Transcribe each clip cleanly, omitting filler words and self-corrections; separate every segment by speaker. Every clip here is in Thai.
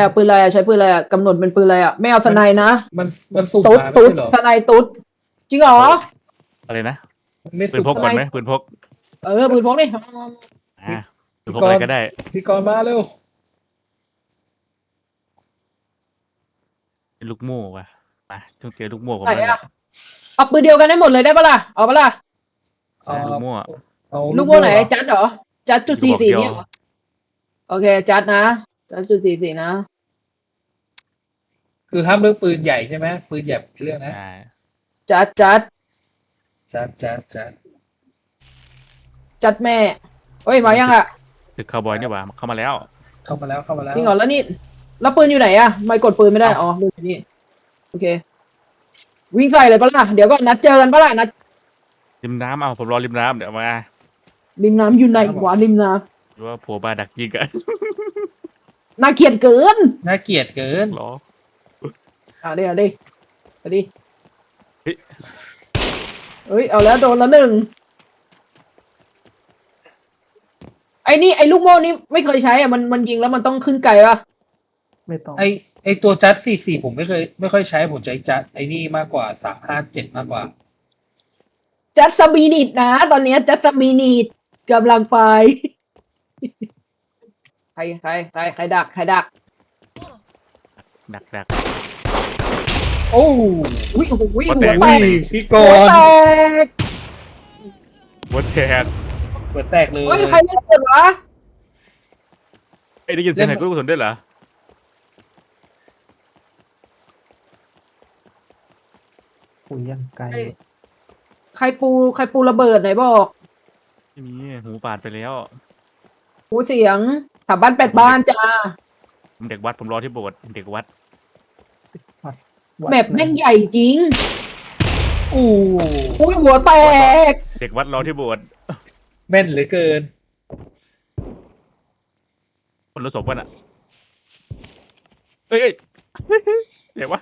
Speaker 1: อะปืนอะไรอะใช้ปืนอะไรอะกำหนดเป็นปืนอะไรอะไม่เอาสไนนะ
Speaker 2: มันสุ่ม
Speaker 1: ตุ๊ด
Speaker 2: มาไม่
Speaker 1: ตุ๊ด
Speaker 2: ใช่เหรอ
Speaker 1: สไนตุ๊ดจริงเหรอ
Speaker 3: อะไรนะ
Speaker 2: มันไม่
Speaker 3: ปืน
Speaker 2: สุ่ม
Speaker 3: พกก่อนไหมปืนพก
Speaker 1: ปืนพกนี่
Speaker 3: อ่าปืนพกอะไรก็ได้
Speaker 2: พี่กรณ์มาเร็ว
Speaker 3: เป็นลูกโม่ว่ะมาต้องเจอลูกโม่ผม
Speaker 1: ไหน
Speaker 3: แล้วแห
Speaker 1: อะ
Speaker 3: ละ
Speaker 1: เอาปืนเดียวกันได้หมดเลยได้ปะล่ะเอาปะล่ะ
Speaker 2: เอา
Speaker 3: ลูกโม่
Speaker 2: เอา
Speaker 1: ลูกโม่ไหน
Speaker 2: เหรอ
Speaker 1: จัดเหรอจัดจุด
Speaker 3: ลูกบอก
Speaker 1: 44
Speaker 3: เดียว
Speaker 1: เนี่ยเหรอโอเคจัดนะจัดจุด44นะ
Speaker 2: คือห้ามเรื่องปืนใหญ่ใช่ไหมปืนใหญ่เป็นเรื่องนะ
Speaker 3: อ่า
Speaker 1: จัด จัดแม่เฮ้ยมายังอะ
Speaker 3: ตึกคาวบอยนี่หว่าเข้ามาแล้ว
Speaker 2: เข้ามาแล้ว
Speaker 1: จริงเหรอแล้วนี่แล้วปืนอยู่ไหนอะไม่กดปืนไม่ได้อ๋อปืนอยู่นี่โอเค วิ่งใส่เลยปะล่ะเดี๋ยวก่อนนัดเจอกันปะล่ะนัด
Speaker 3: ริมน้ำเอาผมรอริมน้ำเดี๋ยวมา
Speaker 1: ริมน้ำอยู่ไหนวะริมน้
Speaker 3: หรือว่าโผล่มาดักยิงกัน
Speaker 1: ำน่าเกลียดเกิน
Speaker 2: น่าเกลียดเกิน
Speaker 3: หรอ
Speaker 1: เดี๋ยวดิเฮ้ย
Speaker 3: เฮ้ย
Speaker 1: เฮ้ยเอาแล้วโดนแล้วหนึ่งไอ้นี่ไอ้ลูกโม่นี่ไม่เคยใช้อ่ะมันยิงแล้วมันต้องขึ้นไกลป่ะ
Speaker 4: ไม่ต้อง
Speaker 2: ไอตัวจัด44ผมไม่ค่อยใช้ผมใช้จัดไอนี่มากกว่า357มากกว่า
Speaker 1: จัสมินิดนะตอนเนี้ยจัสมินิดกำลังไป ใครดัก
Speaker 3: ดัก
Speaker 2: โอ้
Speaker 1: อุ้ยโอ้โหหัว
Speaker 3: หัว
Speaker 1: แต
Speaker 3: แต
Speaker 1: ก
Speaker 3: ก
Speaker 2: พี่ก
Speaker 1: หัว
Speaker 2: ร
Speaker 1: แต
Speaker 2: ณ์
Speaker 1: ก
Speaker 3: หัวแตก
Speaker 2: เปิดแตกเลย
Speaker 1: เฮ้ยใครเล่นเกิดวะ
Speaker 3: ไอ้ได้ยินเสียงไหนลูกกระสุนด้วยเหรอ
Speaker 4: คุยยังไกล
Speaker 1: ใครปูระเบิดไหนบอก
Speaker 3: ไม่มีหูปาดไปแล้ว
Speaker 1: หูเสียงขับบ้านแปดบ้านจ้า
Speaker 3: ผมเด็กวัดผมรอที่โบสถ์เด็กวัด
Speaker 1: แมปแม่งใหญ่จริง
Speaker 2: อู้
Speaker 1: อุ้ยหัวแตก
Speaker 3: เด็กวัดรอที่โบสถ์
Speaker 2: แม่นเหลือเกิน
Speaker 3: คนละศพกันอ่ะเอ้ยเดี๋ยววะ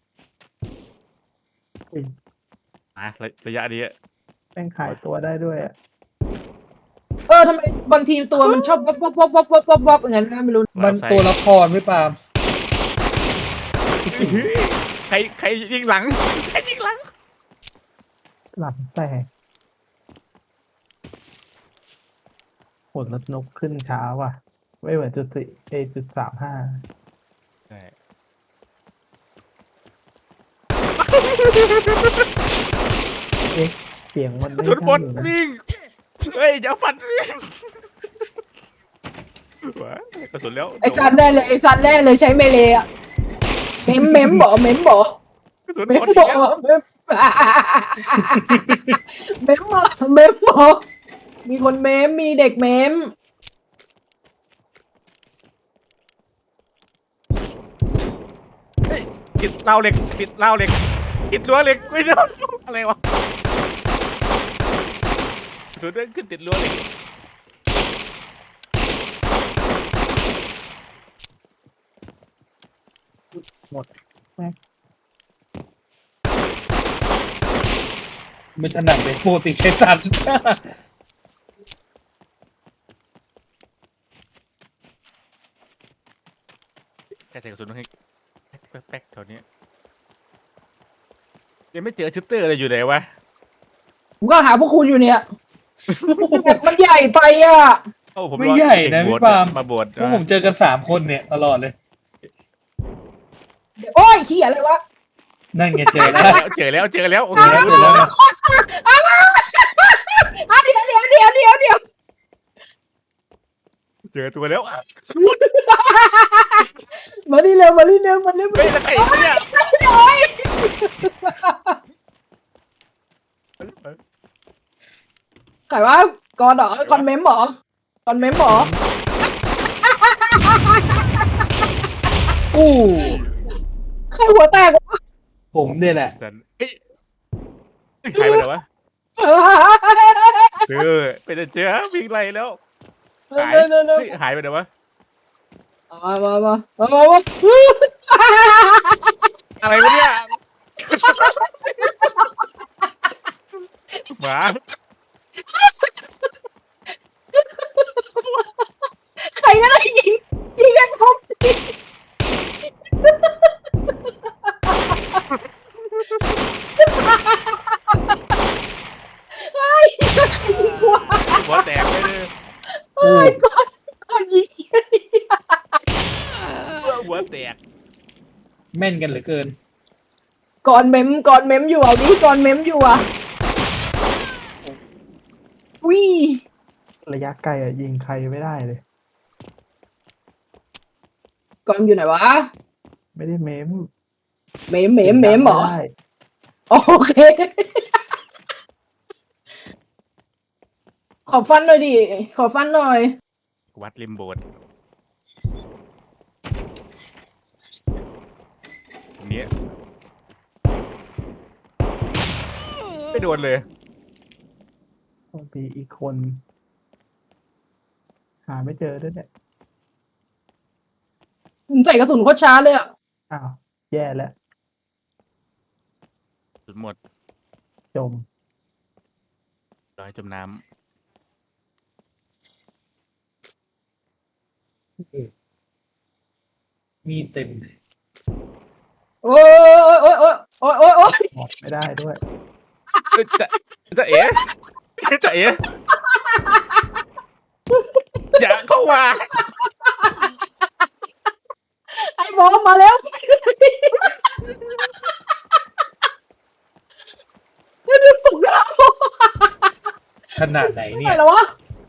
Speaker 4: อุ้ย
Speaker 3: ระยะนี้
Speaker 4: แม่งขายตัวได้ด้วยอะ
Speaker 1: ทำไมบางทีตัวมันชอบวับอย่างนั้นนะไม่รู้
Speaker 2: มันตัวละครไม่ปาล์ม
Speaker 3: ใครยิงหลังใครยิงหลัง
Speaker 4: หลังแตกผลลดนกขึ้นช้าว่ะ ไม่เหมือนจุด35เอ๊ะเสียงมันไม่
Speaker 3: สุดบ
Speaker 4: ใช่
Speaker 3: น
Speaker 4: อยู่นะ
Speaker 3: วิ่งเฮ้ยอย่าฟันว้ากระสุนแล้ว
Speaker 1: ไอ้ซันได้เลยใช้เมเลอะเมมบอก
Speaker 3: กระสุน
Speaker 1: เม
Speaker 3: หม
Speaker 1: ม
Speaker 3: ดอีก
Speaker 1: บอก
Speaker 3: แล้ว
Speaker 1: เมมบอก มีคนเมมมีเด็กเมม
Speaker 3: เฮ้ยปิดราวเหล็กปิดราวเหล็กปิดรั้วเหล็กไม่ใช่อะไรวะกระสุนเขึ้นติดรั้วเหล็ก
Speaker 4: หมดแม่ง
Speaker 2: ไม่ถนัดเลยปกติใช้3.5
Speaker 3: แค่ใส่กระสุนให้แป๊กแถวนี้ยังไม่เจอชิปเตอร์เลยอยู่ไหนวะ
Speaker 1: ผมก็หาพวกคุณอยู่เนี่ยมันใหญ่ไปอ่ะ
Speaker 3: เอ้าผม
Speaker 2: ไม่ใหญ่นะ
Speaker 3: เด็ก
Speaker 2: พี่
Speaker 3: โบสถ์
Speaker 2: ปาล์ม
Speaker 3: มาโบสถ์
Speaker 2: พวกผมเจอกัน3คนเนี่ยตลอดเลย
Speaker 1: โอ้ยขี้อะไรวะ
Speaker 2: นั่นไงเจอแล้ว
Speaker 3: เจอแล้วโอเค
Speaker 2: เจอแล้วเจอแล้ว
Speaker 1: เดี๋ยว
Speaker 3: เจอตัวแล้ว
Speaker 1: มาดิเร็ว
Speaker 3: เฮ้ยแล้วใครเนี่ย
Speaker 1: ใครวะก่อนเหรอก่อนเมมเหรอ
Speaker 2: อู้
Speaker 1: ใครหัวแตกวะ
Speaker 2: ผมเนี่ยแหละ
Speaker 3: เฮ้ยใครไปไหนวะเป็นเจ้าวิ่งไล่แล้วหายหายไปไหนวะ
Speaker 1: มา
Speaker 3: อะไรวะเนี่ยหมา
Speaker 1: ใครก็ได้ยิงกันผม
Speaker 3: หัวแตก
Speaker 2: แม่นกันเหลือเกิน
Speaker 1: ก่อนเมมอยู่เอาดิก่อนเมมอยู่อ่ะวิ
Speaker 4: ระยะไกลอ่ะยิงใครไม่ได้เลย
Speaker 1: ก่อนอยู่ไหนวะ
Speaker 4: ไม่ได้เมม
Speaker 1: เมมเหรอ
Speaker 4: ไได้
Speaker 1: โอเค ขอฟันหน่อยดิ ขอฟันหน่อย
Speaker 3: วัดริมโบสถ์ตรงนี้ไม่โดนเลย
Speaker 4: มีอีกคน หาไม่เจอด้วยเนี่ย
Speaker 1: ผมใส่กระสุนโคตรช้าเลยอ่ะ
Speaker 4: อ้าว แย่แล้ว
Speaker 3: สุดหมด
Speaker 4: จม
Speaker 3: ลอยจมน้
Speaker 2: มีเต็ม
Speaker 1: โอ้ย
Speaker 4: หมดไม่ได้ด้วย
Speaker 3: ำจะเอ๋จะเอ๋อย่าเข้ามา
Speaker 1: ไอ้บอมมาแล้วไม่ได้สุกแล้ว
Speaker 2: ขนาดไหนเนี่
Speaker 1: ไหน
Speaker 2: ย
Speaker 1: แล้ววะ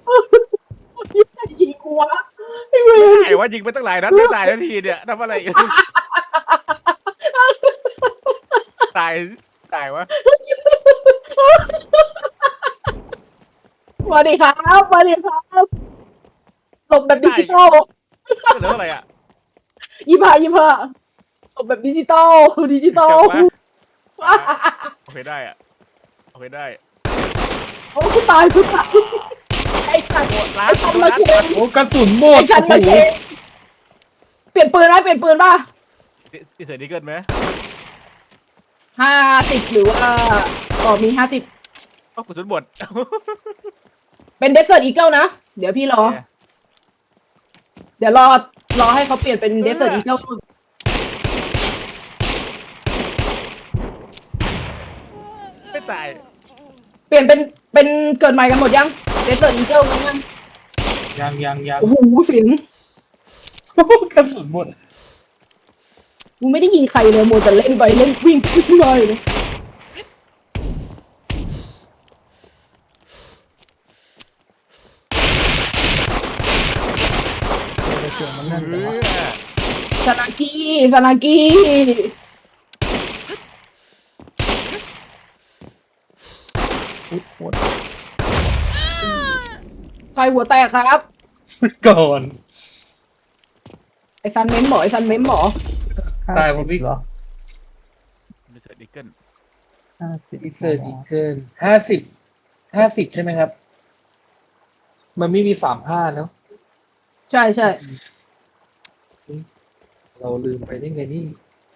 Speaker 1: ยิงกูวะไอ้เวร
Speaker 3: ไอ้ว่ายิงไปตั้งหลายนัดไม่ตายทันทีเนี่ยทำอะไรอยู่ตายวะ
Speaker 1: มาดิครับหลบแบบดิจิตอล
Speaker 3: เหลืออะไรอ่ะ
Speaker 1: 25หลบแบบดิจิตอล
Speaker 3: เจ็บไหมโอเคได้อ่ะโอเคได้
Speaker 1: โอ้กูตายไอ้สัตว์
Speaker 3: โหดร้า
Speaker 1: ไอ้
Speaker 3: น
Speaker 1: ทำมาเชง
Speaker 2: โอ้กระสุนหม
Speaker 1: ไอ้
Speaker 2: ด
Speaker 1: ชัน
Speaker 2: โอ้
Speaker 1: มา
Speaker 2: โห
Speaker 1: เชงเปลี่ยนปืนป่ะ
Speaker 3: ที่เสือดีเกินไหม
Speaker 1: 50หรือว่ามี50
Speaker 3: ก็กระสุนหมด
Speaker 1: เป็นเดสเซอร์ตอีเกิลนะ เดี๋ยวพี่รอ เดี๋ยวรอให้เขาเปลี่ยนเป็นเดสเซอร์ตอีเกิล
Speaker 3: ไม่ตาย
Speaker 1: เปลี่ยนเป็นเกิดใหม่กันหมดยังเดสเซอร์ตอีเกิลกันยัง
Speaker 2: ยัง
Speaker 1: โอ้โหสิง
Speaker 2: กระสุนหมด
Speaker 1: กูไม่ได้ยิงใครเลยโมวแต่เล่นไปเล่นวิ่งขึ้นมาเลย
Speaker 4: เสียงมันนั่น
Speaker 3: เอ
Speaker 4: แต่ว่า
Speaker 3: อ
Speaker 1: ซานากิ
Speaker 4: อุ๊ยหมด
Speaker 1: ใครหัวแตกครับ
Speaker 2: ก่อน
Speaker 1: ไอ้ซันเม้มหมอ
Speaker 2: ตายหมดพี่
Speaker 4: เหรอ
Speaker 3: มีเสือดีเกิล
Speaker 4: 50
Speaker 2: อีเซอร์อีเกิน50ใช่ไหมครับ มันไม่มี35เนาะ
Speaker 1: ใช่
Speaker 2: เราลืมไปได้ไงนี่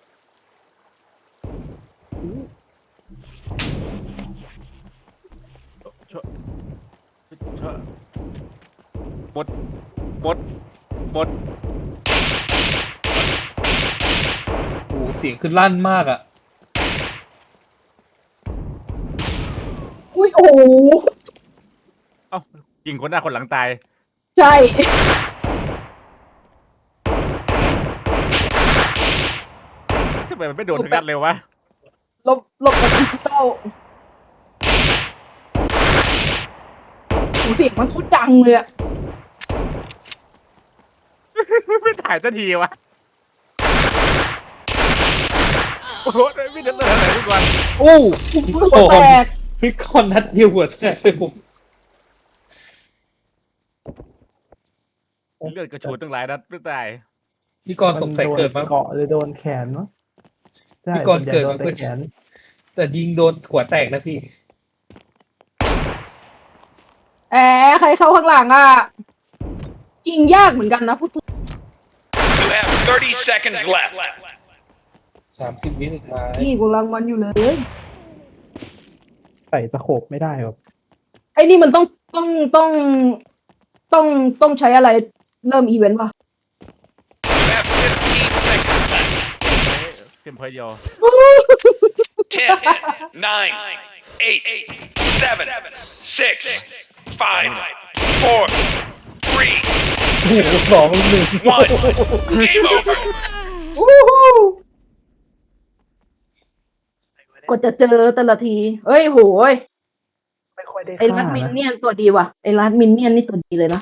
Speaker 3: ช่วยหมด
Speaker 2: โอ้โหเสียงคือลั่นมากอ่ะ
Speaker 1: อุ้ยโอ้โห
Speaker 3: เอ้ายิงคนหน้าคนหลังตาย
Speaker 1: ใช่
Speaker 3: ทำไมมันไม่โดนถึงกันเร็ววะ
Speaker 1: หลบแบบดิจิตอลโอ้เสียงมันโคตรดังเลยอะ
Speaker 3: ไม่ถ่ายสักทีวะโอ้โหไม่เดินเลยอะไรทุกวัน
Speaker 2: โอ้พี่
Speaker 1: หัว
Speaker 2: ก่อ
Speaker 1: แต
Speaker 2: น
Speaker 1: ก
Speaker 2: พี่ก่อนนัดเดียวหัวแตกเลยผม
Speaker 3: เลือดกระชูดตั้งหลายนัดไม่ตาย
Speaker 2: พี่ก่อนสงสัยเกิดมา
Speaker 4: เกาะหรือโดนแขนวะใช่
Speaker 2: พี่กรณ์เกิด
Speaker 4: โด
Speaker 2: มา
Speaker 4: น
Speaker 2: เพื่
Speaker 4: แต่
Speaker 2: อ
Speaker 4: แขน
Speaker 2: แต่ยิงโดนหัวแตกนะพี่
Speaker 1: ใครเข้าข้างหลังอ่ะยิงยากเหมือนกันนะพูดถึง
Speaker 5: You have 30 seconds left.
Speaker 2: 30 วิสุดท้าย
Speaker 1: นี่กูรังมันอยู่เลย
Speaker 4: ใส่ตะโขบไม่ได้หรอ
Speaker 1: ไอ้นี่มันต้องใช้อะไรเริ่มอีเวนต์ป่ะ
Speaker 5: You have 15 seconds left.
Speaker 3: เต็มพอยเดียว
Speaker 5: 10, 9, 8, 7, 6, 5, 4, 3,
Speaker 2: โห2-1
Speaker 5: One. Game over.
Speaker 1: กดจะเจอแต่ละทีเอ้ยโหย
Speaker 4: ไม่ค่อยได้
Speaker 1: ไอ้
Speaker 4: ฆ่า
Speaker 1: รัดมิน
Speaker 4: นะ
Speaker 1: เนี่ยนตัวดีว่ะไอ้รัดมินเนี่ยนนี่ตัวดีเลยนะ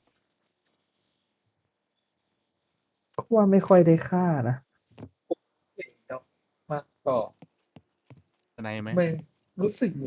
Speaker 4: ว่าไม่ค่อยได้ฆ่านะ
Speaker 2: มาต่อ
Speaker 3: ไหนไหม
Speaker 2: ไม่รู้สึก